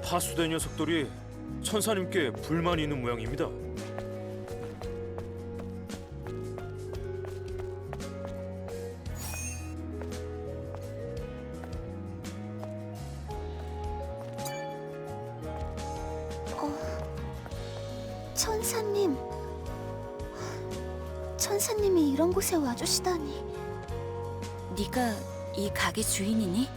파수된 녀석들이 천사님께 불만이 있는 모양입니다. 천사님, 천사님이 이런 곳에 와주시다니. 네가 이 가게 주인이니?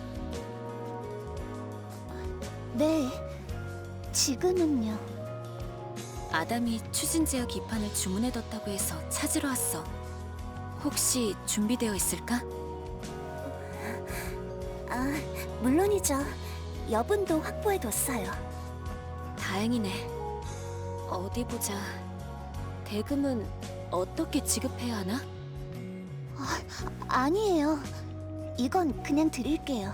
네, 지금은요. 아담이 추진제어 기판을 주문해뒀다고 해서 찾으러 왔어. 혹시 준비되어 있을까? 아, 물론이죠. 여분도 확보해뒀어요. 다행이네. 어디 보자. 대금은 어떻게 지급해야 하나? 아니에요. 이건 그냥 드릴게요.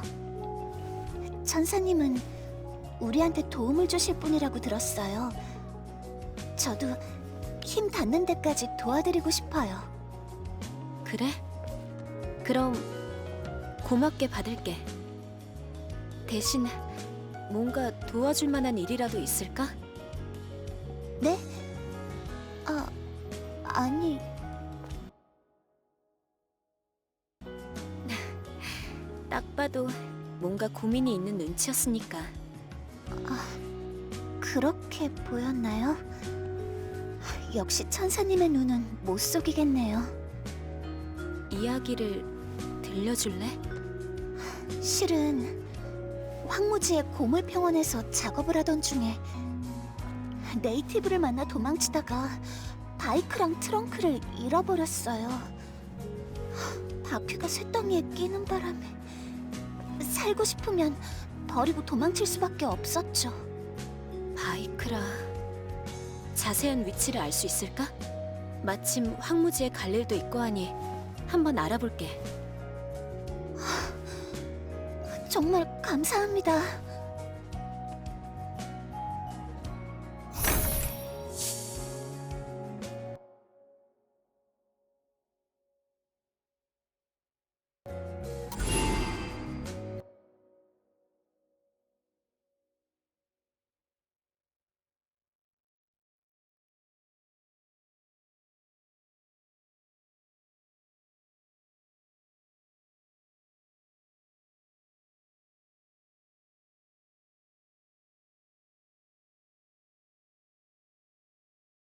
천사님은 우리한테 도움을 주실 분이라고 들었어요. 저도 힘 닿는 데까지 도와드리고 싶어요. 그래? 그럼 고맙게 받을게. 대신 뭔가 도와줄 만한 일이라도 있을까? 네? 아니... 딱 봐도 뭔가 고민이 있는 눈치였으니까. 그렇게 보였나요? 역시 천사님의 눈은 못 속이겠네요. 이야기를 들려줄래? 실은 황무지의 고물평원에서 작업을 하던 중에 네이티브를 만나 도망치다가 바이크랑 트렁크를 잃어버렸어요. 바퀴가 쇳덩이에 끼는 바람에 살고 싶으면 버리고 도망칠 수밖에 없었죠. 바이크라. 자세한 위치를 알 수 있을까? 마침 황무지에 갈 일도 있고 하니 한번 알아볼게. 정말 감사합니다.